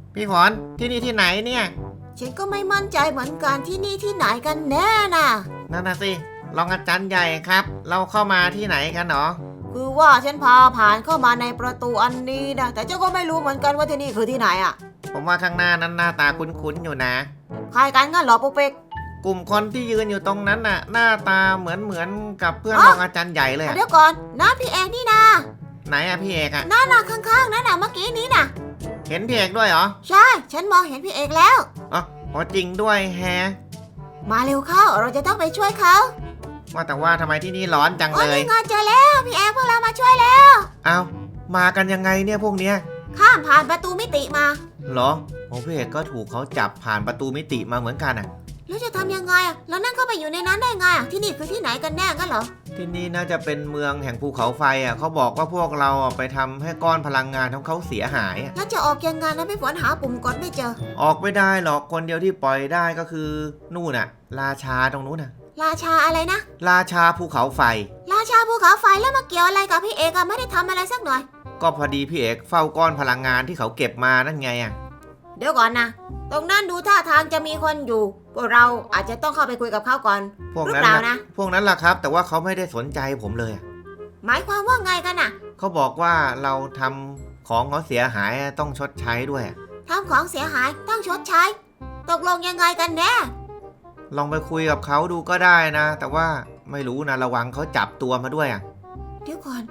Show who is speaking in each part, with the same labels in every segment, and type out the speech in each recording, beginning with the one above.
Speaker 1: พี่ฝนที่นี่ที่ไหนเนี่ย
Speaker 2: ฉันก็ไม่มั่นใจเหมือนกันที่นี่ที่ไหนกันแน่น่ะ
Speaker 1: นั่นน่ะสิรองอาจารย์ใหญ่ครับเราเข้ามาที่ไหนกันหรอ
Speaker 2: คือว่าฉันพาผ่านเข้ามาในประตูอันนี้นะแต่เจ้าก็ไม่รู้เหมือนกันว่าที่นี่คือที่ไหนอ่ะ
Speaker 1: ผมว่าข้างหน้านั้นหน้าตาคุ้นๆอยู่นะ
Speaker 2: ใครกันงั้นเหรอปุ๊กปิ๊ก
Speaker 1: กลุ่มคนที่ยืนอยู่ตรงนั้นน่ะหน้าตาเหมือนกับเพื่อนรองอาจารย์ใหญ่เลย
Speaker 2: เดี๋ยวก่อนน้าพี่เอกนี่นะ
Speaker 1: ไหนอะพี่เอกอะ
Speaker 2: นั่นน่ะข้างๆนั่นน่ะเมื่อกี้นี้น่ะ
Speaker 1: เห็นพี่เอกด้วยเหรอ
Speaker 2: ใช่ฉันมองเห็นพี่เอกแล้ว
Speaker 1: อ๋อจริงด้วยแฮะ
Speaker 2: มาเร็วเข้าเราจะต้องไปช่วยเขา
Speaker 1: ว่าแต่ว่าทำไมที่นี่ร้อนจังเลย
Speaker 2: นี่ไงเจอแล้วพี่เอกพวกเรามาช่วยแล้ว
Speaker 1: เอามากันยังไงเนี่ยพวกเนี้ย
Speaker 2: ข้ามผ่านประตูมิติมา
Speaker 1: เหรอผมพี่เอกก็ถูกเขาจับผ่านประตูมิติมาเหมือนกันอะ
Speaker 2: แล้วจะทำยังไงอ่ะแล้วนั่นเข้าไปอยู่ในนั้นได้ไงอ่ะที่นี่คือที่ไหนกันแน่กันเหรอ
Speaker 1: ที่นี่น่าจะเป็นเมืองแห่งภูเขาไฟอ่ะเขาบอกว่าพวกเราไปทำให้ก้อนพลังงานของเขาเสียหาย
Speaker 2: แล้วจะออกยังไงนะพี่ฝนหาปุ่มกดไม่เจอ
Speaker 1: ออกไม่ได้หรอกคนเดียวที่ปล่อยได้ก็คือนู่นน่ะราชาตรงนู้นน่ะ
Speaker 2: ราชาอะไรนะ
Speaker 1: ราชาภูเขาไฟ
Speaker 2: ราชาภูเขาไฟแล้วมาเกี่ยวอะไรกับพี่เอกอะไม่ได้ทำอะไรสักหน่อย
Speaker 1: ก็พอดีพี่เอกเฝ้าก้อนพลังงานที่เขาเก็บมานั่นไงอ่ะ
Speaker 2: เดี๋ยวก่อนนะตรงนั้นดูท่าทางจะมีคนอยู่พวกเราอาจจะต้องเข้าไปคุยกับเขาก่อน
Speaker 1: พวกนั้นนะพวกนั้นล่ะครับแต่ว่าเขาไม่ได้สนใจผมเลย
Speaker 2: หมายความว่าไงกันน่ะ
Speaker 1: เขาบอกว่าเราทำของเขาเสียหายต้องชดใช้ด้วย
Speaker 2: ทำของเสียหายต้องชดใช้ตกลงยังไงกันแน่
Speaker 1: ลองไปคุยกับเขาดูก็ได้นะแต่ว่าไม่รู้นะระวังเขาจับตัวมาด้วย
Speaker 2: เดี๋ยวก่อน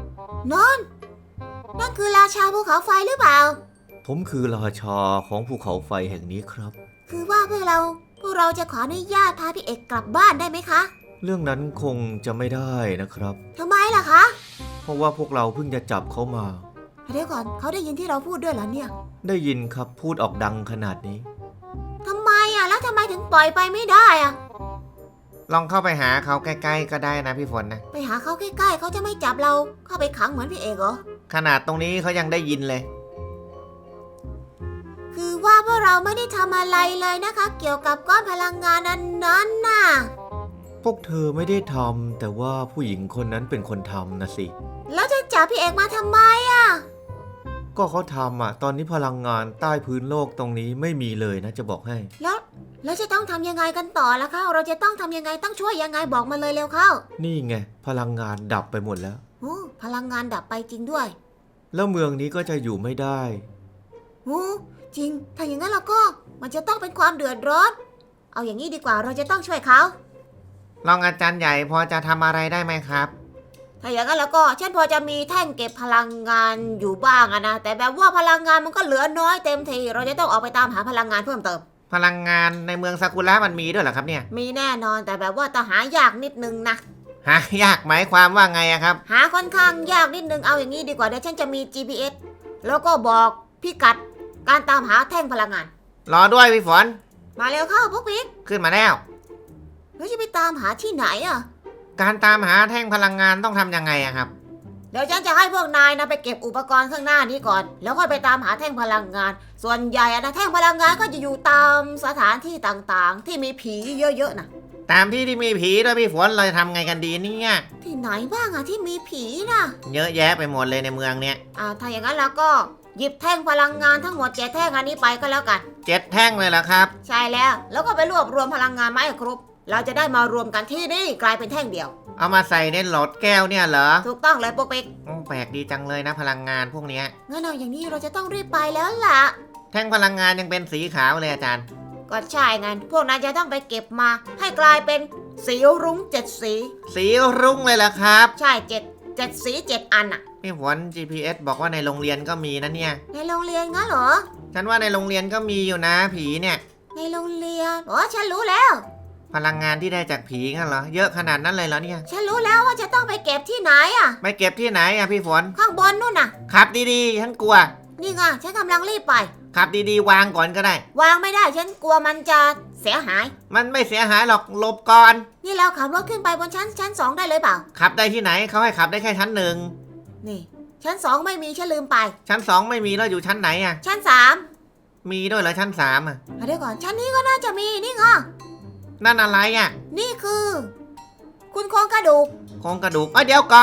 Speaker 2: นั่นคือราชาภูเขาไฟหรือเปล่า
Speaker 1: ผมคือราชาของภูเขาไฟแห่งนี้ครับ
Speaker 2: คือว่าพวกเราจะขออนุญาตพาพี่เอกกลับบ้านได้ไหมคะ
Speaker 1: เรื่องนั้นคงจะไม่ได้นะครับ
Speaker 2: ทำไมล่ะคะ
Speaker 1: เพราะว่าพวกเราเพิ่งจะจับเขามา
Speaker 2: เดี๋ยวก่อนเขาได้ยินที่เราพูดด้วยเหรอเนี่ย
Speaker 1: ได้ยินครับพูดออกดังขนาดนี้
Speaker 2: ทำไมแล้วทำไมถึงปล่อยไปไม่ได้
Speaker 1: ลองเข้าไปหาเขาใกล้ๆก็ได้นะพี่ฝนนะ
Speaker 2: ไปหาเขาใกล้ๆเขาจะไม่จับเราเข้าไปขังเหมือนพี่เอกเหรอ
Speaker 1: ขนาดตรงนี้เขายังได้ยินเลย
Speaker 2: คือว่าพวกเราไม่ได้ทำอะไรเลยนะคะเกี่ยวกับก้อนพลังงานนั้นน่ะ
Speaker 1: พวกเธอไม่ได้ทำแต่ว่าผู้หญิงคนนั้นเป็นคนทำนะสิ
Speaker 2: แล้วจะจับพี่เอกมาทำไม
Speaker 1: ก็เขาทำตอนนี้พลังงานใต้พื้นโลกตรงนี้ไม่มีเลยนะจะบอกให้
Speaker 2: แล้วจะต้องทำยังไงกันต่อล่ะคะเราจะต้องทำยังไงต้องช่วยยังไงบอกมาเลยเร็วเข้า
Speaker 1: นี่ไงพลังงานดับไปหมดแล้ว
Speaker 2: พลังงานดับไปจริงด้วย
Speaker 1: แล้วเมืองนี้ก็จะอยู่ไม่ได้
Speaker 2: จริงถ้าอย่างนั้นเราก็มันจะต้องเป็นความเดือดร้อนเอาอย่างนี้ดีกว่าเราจะต้องช่วยเขา
Speaker 1: รองอาจารย์ใหญ่พอจะทำอะไรได้ไหมครับ
Speaker 2: ถ้าอย่างนั้นแล้วก็ฉันพอจะมีแท่งเก็บพลังงานอยู่บ้างนะแต่แบบว่าพลังงานมันก็เหลือน้อยเต็มทีเราจะต้องออกไปตามหาพลังงานเพิ่มเติม
Speaker 1: พลังงานในเมืองซากุระมันมีด้วยเหรอครับเนี่ย
Speaker 2: มีแน่นอนแต่แบบว่าต้องหายากนิดนึงนะ
Speaker 1: หายากหมายความว่าไงครับ
Speaker 2: หาค่อนข้างยากนิดนึงเอาอย่างนี้ดีกว่าเดี๋ยวฉันจะมี GPS แล้วก็บอกพิกัดการตามหาแท่งพลังงาน
Speaker 1: รอด้วยพี่ฝน
Speaker 2: มาเร็วเข้าพวกปิ๊ก
Speaker 1: ขึ้นมาแล้ว
Speaker 2: แล้วจะไปตามหาที่ไหน
Speaker 1: การตามหาแท่งพลังงานต้องทำยังไงครับ
Speaker 2: เดี๋ยวฉันจะให้พวกนายนะไปเก็บอุปกรณ์ข้างหน้านี้ก่อนแล้วค่อยไปตามหาแท่งพลังงานส่วนใหญ่นะแท่งพลังงานก็จะอยู่ตามสถานที่ต่างๆที่มีผีเยอะๆนะ
Speaker 1: ตามที่มีผีด้วยพี่ฝนเราจะทำไงกันดีเนี่ย
Speaker 2: ที่ไหนบ้างที่มีผีนะ
Speaker 1: เยอะแยะไปหมดเลยในเมืองเนี้ย
Speaker 2: ถ้าอย่างนั้นแล้วก็หยิบแท่งพลังงานทั้งหมด7แท่งอันนี้ไปก็แล้วกัน
Speaker 1: 7แท่งเลยเหรอครับ
Speaker 2: ใช่แล้วก็ไปรวบรวมพลังงานมาให้ครบเราจะได้มารวมกันที่นี่กลายเป็นแท่งเดียว
Speaker 1: เอามาใส่ในหลอดแก้วเนี่ยเหรอ
Speaker 2: ถูกต้องเลยปุ๊กปิ๊ก
Speaker 1: แปลกดีจังเลยนะพลังงานพวกนี้
Speaker 2: งั้นเอาอย่างนี้เราจะต้องรีบไปแล้วล่ะ
Speaker 1: แท่งพลังงานยังเป็นสีขาวเลยอาจารย์
Speaker 2: ก็ใช่งั้นพวกนั้นจะต้องไปเก็บมาให้กลายเป็นสีรุ้ง7สี
Speaker 1: สีรุ้งเลยเหรอครับ
Speaker 2: ใช่7สี7อัน
Speaker 1: พี่ฝน GPS บอกว่าในโรงเรียนก็มีนะเนี่ย
Speaker 2: ในโรงเรียนงั้นเหรอ
Speaker 1: ฉันว่าในโรงเรียนก็มีอยู่นะผีเนี่ย
Speaker 2: ในโรงเรียนฉันรู้แล้ว
Speaker 1: พลังงานที่ได้จากผีงั้นเหรอเยอะขนาดนั้นเลยเหรอเนี่ย
Speaker 2: ฉันรู้แล้วว่าจะต้องไปเก็บที่ไหน
Speaker 1: ไปเก็บที่ไหนพี่ฝน
Speaker 2: ข้างบนนู่น
Speaker 1: ขับดีๆฉันกลัว
Speaker 2: นี่ไงฉันกำลังรีบไป
Speaker 1: ขับดีๆวางก่อนก็ได้
Speaker 2: วางไม่ได้ฉันกลัวมันจะเสียหาย
Speaker 1: มันไม่เสียหายหรอกหลบก่อน
Speaker 2: นี่เราขับรถขึ้นไปบนชั้น2ได้เลยเปล่า
Speaker 1: ขับได้ที่ไหนเขาให้ขับได้แค่ชั้น1
Speaker 2: นี่ชั้น2ไม่มีฉันลืมไป
Speaker 1: ชั้น2ไม่มีแล้วอยู่ชั้นไหน
Speaker 2: ชั้น3
Speaker 1: มีด้วยเหรอชั้น3
Speaker 2: เดี๋ยวก่อนชั้นนี้ก็น่าจะมีนี่ไง
Speaker 1: นั่นอะไร
Speaker 2: นี่คือคุณโครงกระดูก
Speaker 1: เดี๋ยวก่อน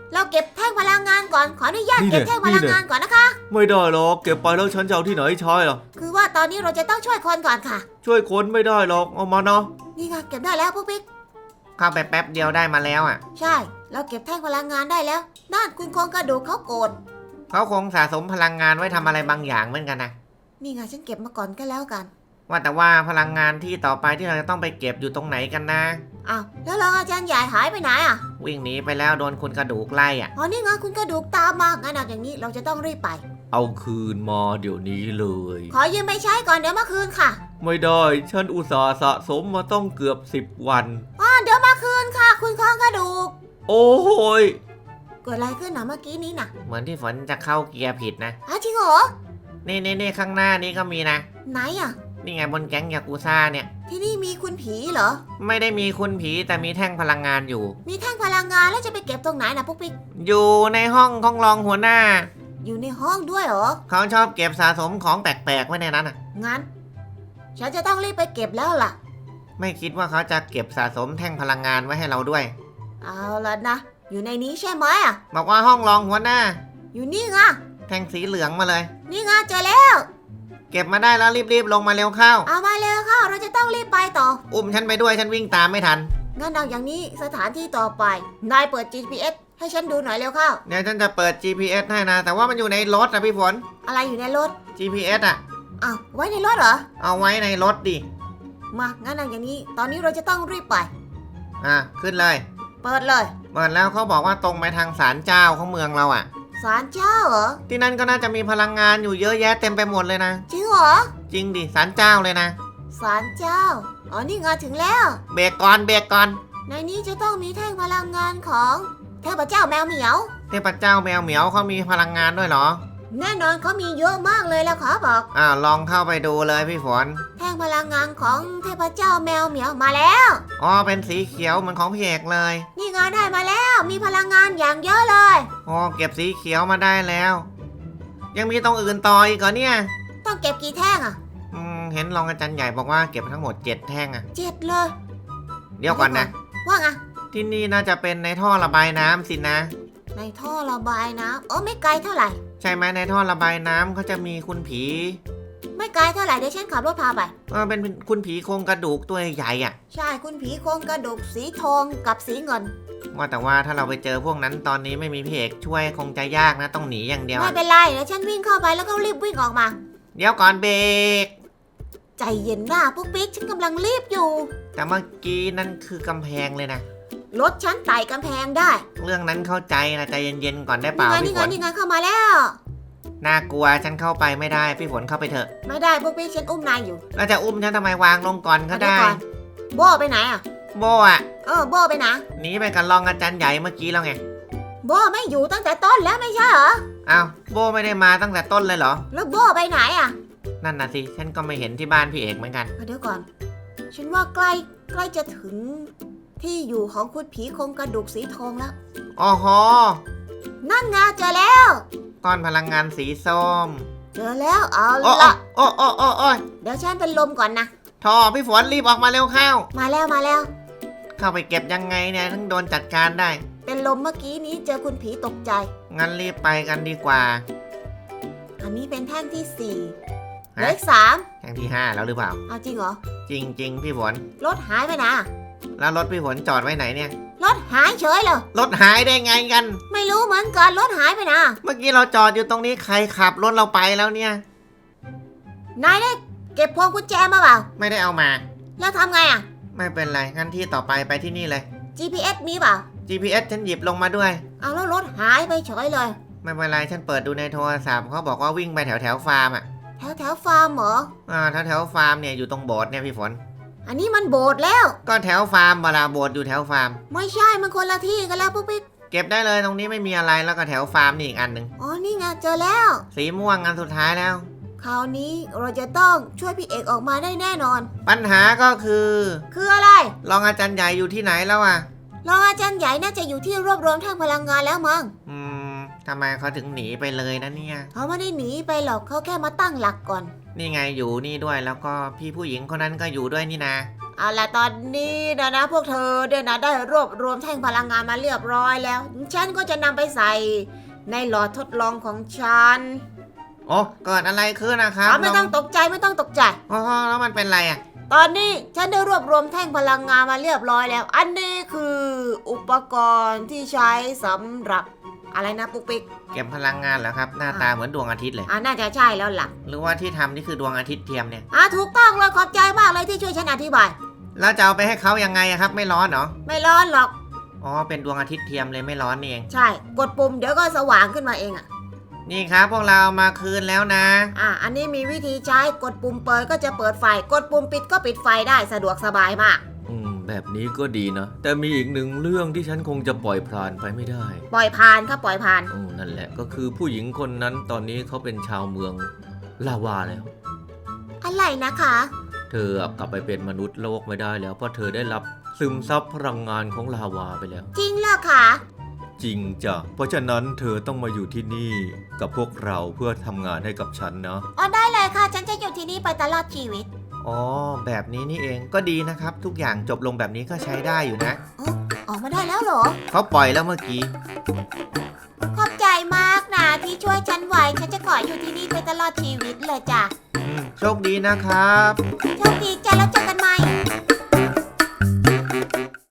Speaker 2: เราเก็บแท่งพลังงานก่อนขออนุญาตเก็บแท่งพลังงานก่อนนะคะ
Speaker 1: ไม่ได้หรอกเก็บไปแล้วฉันจะเอาที่ไหนใช้ล่ะ
Speaker 2: คือว่าตอนนี้เราจะต้องช่วยคนก่อนค่ะ
Speaker 1: ช่วยคนไม่ได้หรอกเอามาเนาะ
Speaker 2: นี่ไงเก็บได้แล้วปุ๊กปิ๊ก
Speaker 1: เข้าไปแป๊บเดียวได้มาแล้วอ่ะ
Speaker 2: ใช่เราเก็บแท่งพลังงานได้แล้วนั่นคุณโครงกระดูกเขาโกรธ
Speaker 1: เขาคงสะสมพลังงานไว้ทำอะไรบางอย่างเหมือนกันนะ
Speaker 2: นี่ไงฉันเก็บมาก่อนก็แล้วกัน
Speaker 1: ว่าแต่ว่าพลังงานที่ต่อไปที่เราจะต้องไปเก็บอยู่ตรงไหนกันนะ
Speaker 2: อ้าวแล้วรองอาจารย์ใหญ่หายไปไหนอ่ะ
Speaker 1: วิ่งหนีไปแล้วโดนคุณกระดูกไล่อ่ะ
Speaker 2: อ๋อนี่ไงคุณกระดูกตามมางั้นเอาอย่างนี้เราจะต้องรีบไป
Speaker 1: เอาคืนมาเดี๋ยวนี้เลย
Speaker 2: ขอยืมไปใช้ก่อนเดี๋ยวมาคืนค่ะ
Speaker 1: ไม่ได้ฉันอุตส่าห์สะสมมาต้องเกือบ10 วัน
Speaker 2: เดี๋ยวมาคืนค่ะ คุณโครงกระดูก
Speaker 1: โอ้โหย
Speaker 2: เกิดอะไรขึ้นนะเมื่อกี้นี้นะ
Speaker 1: เหมือนที่ฝนจะเข้าเกียร์ผิดนะ
Speaker 2: จริงเหรอ
Speaker 1: นี่ข้างหน้านี้ก็มีนะ
Speaker 2: ไหนอ่ะ
Speaker 1: นี่ไงบนแก๊งยากูซ่าเนี่ย
Speaker 2: ที่นี่มีคุณผีเหรอ
Speaker 1: ไม่ได้มีคุณผีแต่มีแท่งพลังงานอยู่
Speaker 2: มีแท่งพลังงานแล้วจะไปเก็บตรงไหนนะปุ๊กปิ๊ก
Speaker 1: อยู่ในห้องของรองหัวหน้า
Speaker 2: อยู่ในห้องด้วยเหรอ
Speaker 1: เขาชอบเก็บสะสมของแปลกๆไว้ในนั้นอ่ะ
Speaker 2: งั้น ฉันจะต้องรีบไปเก็บแล้วล่ะ
Speaker 1: ไม่คิดว่าเขาจะเก็บสะสมแท่งพลังงานไว้ให้เราด้วย
Speaker 2: เอาละนะ อยู่ในนี้ใช่ไหมอ่ะ
Speaker 1: บอกว่าห้องรองหัวหน้า
Speaker 2: อยู่นี่ไง
Speaker 1: แท่งสีเหลืองมาเลย
Speaker 2: นี่ไงเจอแล้ว
Speaker 1: เก็บมาได้แล้วรีบๆลงมาเร็วเข้า
Speaker 2: เอามาเลยค่ะ เราจะต้องรีบไปต่อ
Speaker 1: อุ้มฉันไปด้วยฉันวิ่งตามไม่ทัน
Speaker 2: งั้นเอาอย่างนี้สถานที่ต่อไป นายเปิด GPS ให้ฉันดูหน่อยเร็วเข้า
Speaker 1: เดี๋ยวฉันจะเปิด GPS ให้นะ แต่ว่ามันอยู่ในรถนะพี่ฝน
Speaker 2: อะไรอยู่ในรถ
Speaker 1: GPS อ่ะ
Speaker 2: อ้าวไว้ในรถเหรอ
Speaker 1: เอาไว้ในรถดิ
Speaker 2: มา งั้นเอาอย่างนี้ ตอนนี้เราจะต้องรีบไป
Speaker 1: ขึ้นเลย
Speaker 2: เปิดเลย
Speaker 1: เปิดแล้วเขาบอกว่าตรงไปทางศาลเจ้าของเมืองเราอ่ะ
Speaker 2: ศาลเจ้าเหรอ
Speaker 1: ที่นั่นก็น่าจะมีพลังงานอยู่เยอะแยะเต็มไปหมดเลยนะ
Speaker 2: จริงเหรอ
Speaker 1: จริงดิศาลเจ้าเลยนะ
Speaker 2: ศาลเจ้า อ๋อ นี่ไงถึงแล้ว
Speaker 1: เบรกก่อนเบรกก่อน
Speaker 2: ในนี้จะต้องมีแท่งพลังงานของเทพเจ้าแมวเหมียว
Speaker 1: เทพเจ้าแมวเหมียวเขามีพลังงานด้วยเหรอ
Speaker 2: แน่นอนเขามีเยอะมากเลยแล้วขอบอก
Speaker 1: ลองเข้าไปดูเลยพี่ฝน
Speaker 2: แท่งพลังงานของเทพเจ้าแมวเหมียวมาแล้ว
Speaker 1: อ๋อเป็นสีเขียวเหมือนของพี่เอกเลย
Speaker 2: นี่ไงได้มาแล้ว มีพลังงานอย่างเยอะเลย
Speaker 1: อ๋อเก็บสีเขียวมาได้แล้ว ยังมีตรงอื่นต่ออีกเหรอเนี่ย
Speaker 2: ต้องเก็บกี่แท่งอ่ะ
Speaker 1: เห็นรองอาจารย์ใหญ่บอกว่าเก็บทั้งหมด7 แท่งอะ
Speaker 2: 7เลย
Speaker 1: เดี๋ยวก่อนนะ
Speaker 2: ว่าไง
Speaker 1: ที่นี่น่าจะเป็นในท่อระบายน้ำสินะ
Speaker 2: ในท่อระบายน้ำไม่ไกลเท่าไหร่
Speaker 1: ใช่ไหมในท่อระบายน้ำเขาจะมีคุณผี
Speaker 2: ไม่ไกลเท่าไหร่เดี๋ยวฉันขับรถพาไป
Speaker 1: เป็นคุณผีโครงกระดูกตัวใหญ่อะ
Speaker 2: ใช่คุณผีโครงกระดูกสีทองกับสีเงิน
Speaker 1: ว่าแต่ว่าถ้าเราไปเจอพวกนั้นตอนนี้ไม่มีพี่เอกช่วยคงจะยากนะต้องหนีอย่างเดียว
Speaker 2: ไม่เป็นไรเดี๋ยวฉันวิ่งเข้าไปแล้วก็รีบวิ่งออกมา
Speaker 1: เดี๋ยวก่อนเบรก
Speaker 2: ใจเย็นหน้าปุ๊กปิ๊กฉันกำลังรีบอยู่
Speaker 1: แต่เมื่อกี้นั่นคือกำแพงเลยนะ
Speaker 2: รถฉันไต่กำแพงได้
Speaker 1: เรื่องนั้นเข้าใจนะใจเย็นๆก่อนได้เปล่า
Speaker 2: นี่
Speaker 1: พี่
Speaker 2: ไง
Speaker 1: ฝน
Speaker 2: นี่ไงเข้ามาแล้ว
Speaker 1: น่ากลัวฉันเข้าไปไม่ได้พี่ฝนเข้าไปเถอะ
Speaker 2: ไม่ได้ปุ๊กปิ๊กฉันอุ้มนายอยู่
Speaker 1: แล้วจะอุ้มฉันทำไมวางลงก่อนก็
Speaker 2: เดี๋ยว
Speaker 1: ได้
Speaker 2: ก่อนโบไปไหนอ่ะ
Speaker 1: โบอะ
Speaker 2: โบไปไหน
Speaker 1: หนีไปกับรองอาจารย์ใหญ่เมื่อกี้แล้วไง
Speaker 2: โบไม่อยู่ตั้งแต่ต้นแล้วไม่ใช่เหรอ
Speaker 1: อ้าวโบไม่ได้มาตั้งแต่ต้นเลยเหรอ
Speaker 2: แล้วโบไปไหนอ่ะ
Speaker 1: นั่นน่ะสิฉันก็ไม่เห็นที่บ้านพี่เอกเหมือนกัน
Speaker 2: เดี๋ยวก่อน ฉันว่าใกล้จะถึงที่อยู่ของคุณผีโครงกระดูกสีทองแล้ว
Speaker 1: อ๋อโห
Speaker 2: นั่นไงเจอแล้ว
Speaker 1: ก้อนพลังงานสีส้ม
Speaker 2: เจอแล้วเอา
Speaker 1: โอ้
Speaker 2: ละ
Speaker 1: โอ้โอ้โอ้โอ้ย
Speaker 2: เดี๋ยวฉันเป็นลมก่อนนะ
Speaker 1: ทอพี่ฝนรีบออกมาเร็วเข้า
Speaker 2: มาแล้ว
Speaker 1: เข้าไปเก็บยังไงเนี่ยถึงโดนจัดการได้
Speaker 2: เป็นลมเมื่อกี้นี้เจอคุณผีตกใจ
Speaker 1: งั้นรีบไปกันดีกว่า
Speaker 2: อันนี้เป็นแท่งที่สี่เห
Speaker 1: ฮะ
Speaker 2: ลืออีก3
Speaker 1: แท่งที่5แล้วหรือเปล่า
Speaker 2: เอาจริงเหรอ
Speaker 1: จริง ๆ พี่ฝน
Speaker 2: รถหายไปนะ
Speaker 1: แล้วรถพี่ฝนจอดไว้ไหนเนี่ย
Speaker 2: รถหายเฉยเลย
Speaker 1: รถหายได้ไงกัน
Speaker 2: ไม่รู้เหมือนกันรถหายไปนะ
Speaker 1: เมื่อกี้เราจอดอยู่ตรงนี้ใครขับรถเราไปแล้วเนี่ย
Speaker 2: นายได้เก็บพวงกุญแจมาเปล่า
Speaker 1: ไม่ได้เอามา
Speaker 2: แล้วทำไงอ่ะ
Speaker 1: ไม่เป็นไรงั้นที่ต่อไปไปที่นี่เลย
Speaker 2: GPS มีเปล่า
Speaker 1: GPS ฉันหยิบลงมาด้วย
Speaker 2: เอาแล้วรถหายไปเฉยเลย
Speaker 1: ไม่เป็นไรฉันเปิดดูในโทรศัพท์เขาบอกว่าวิ่งไปแถวฟาร์มอ่ะ
Speaker 2: แถวฟาร์มเหรอ
Speaker 1: แถวฟาร์มเนี่ยอยู่ตรงโบสถ์เนี่ยพี่ฝน
Speaker 2: อันนี้มันโบสถ์แล้ว
Speaker 1: ก็แถวฟาร์มเวลาโบสถ์อยู่แถวฟาร์ม
Speaker 2: ไม่ใช่มันคนละที่กันแล้วปุ๊กปิ๊ก
Speaker 1: เก็บได้เลยตรงนี้ไม่มีอะไรแล้วก็แถวฟาร์มนี่อีกอันหนึ่ง
Speaker 2: อ๋อนี่ไงเจอแล้ว
Speaker 1: สีม่วงอันสุดท้ายแล้ว
Speaker 2: คราวนี้เราจะต้องช่วยพี่เอกออกมาได้แน่นอน
Speaker 1: ปัญหาก็คือ
Speaker 2: คืออะไร
Speaker 1: รองอาจารย์ใหญ่อยู่ที่ไหนแล้วอ่ะ
Speaker 2: รองอาจารย์ใหญ่น่าจะอยู่ที่รวบรวมแท่งพลังงานแล้วมั้ง
Speaker 1: ทำไมเขาถึงหนีไปเลยนะเนี่ย
Speaker 2: เขาไม่ได้หนีไปหรอกเขาแค่มาตั้งหลักก่อน
Speaker 1: นี่ไงอยู่นี่ด้วยแล้วก็พี่ผู้หญิงคนนั้นก็อยู่ด้วยนี่นะ
Speaker 2: เอาล่ะตอนนี้นะพวกเธอเนี่ยนะได้รวบรวมแท่งพลังงานมาเรียบร้อยแล้ว ฉันก็จะนำไปใส่ในหลอดทดลองของฉัน
Speaker 1: โอ้เกิดอะไรขึ้นนะครับ
Speaker 2: ไม่ต้องตกใจไม่ต้องตกใจ
Speaker 1: อ๋อแล้วมันเป็นไรอ่ะ
Speaker 2: ตอนนี้ฉันได้รวบรวมแท่งพลังงานมาเรียบร้อยแล้ว อันนี้คืออุปกรณ์ที่ใช้สำหรับอะไรนะปุ๊กปิ๊ก
Speaker 1: เก็บพลังงานเหรอครับ หน้าตาเหมือนดวงอาทิตย์เลย
Speaker 2: น่าจะใช่แล้วล่ะ
Speaker 1: หรือว่าที่ทำนี่คือดวงอาทิตย์เทียมเนี่ย
Speaker 2: ถูกต้องเลยขอบใจมากเลยที่ช่วยฉันอธิบาย
Speaker 1: แล้วจะเอาไปให้เขายังไงอะครับ ไม่ร้อนเหรอ
Speaker 2: ไม่ร้อนหรอก
Speaker 1: อ๋อเป็นดวงอาทิตย์เทียมเลยไม่ร้อนนี่เอง
Speaker 2: ใช่กดปุ่มเดี๋ยวก็สว่างขึ้นมาเองอะ
Speaker 1: นี่ครับพวกเรามาคืนแล้วนะ
Speaker 2: อันนี้มีวิธีใช้กดปุ่มเปิดก็จะเปิดไฟกดปุ่มปิดก็ปิดไฟได้สะดวกสบายมาก
Speaker 3: แบบนี้ก็ดีนะ แต่มีอีกหนึ่งเรื่องที่ฉันคงจะปล่อยผ่านไปไม่ได้
Speaker 2: ปล่อยผ่านครับปล่อยผ่าน
Speaker 3: นั่นแหละก็คือผู้หญิงคนนั้นตอนนี้เขาเป็นชาวเมืองลาวาแล้ว
Speaker 2: อะไรนะคะ
Speaker 3: เธอกลับไปเป็นมนุษย์โลกไม่ได้แล้วเพราะเธอได้รับซึมซับพลังงานของลาวาไปแล้ว
Speaker 2: จริงเหรอคะ
Speaker 3: จริงจ้ะเพราะฉะนั้นเธอต้องมาอยู่ที่นี่กับพวกเราเพื่อทำงานให้กับฉันนะ
Speaker 2: ได้เลยค่ะฉันจะอยู่ที่นี่ไปตลอดชีวิต
Speaker 1: อ๋อแบบนี้นี่เองก็ดีนะครับ ทุกอย่างจบลงแบบนี้ก็ใช้ได้อยู่นะ
Speaker 2: ออกมาได้แล้วเหรอ
Speaker 1: เขาปล่อยแล้วเมื่อกี้
Speaker 2: ขอบใจมากนะที่ช่วยฉันไว้ฉันจะขออยู่ที่นี่ไปตลอดชีวิตเลยจ้ะ
Speaker 1: โชคดีนะครับ
Speaker 2: โชคดีจ้ะแล้วเจอกัน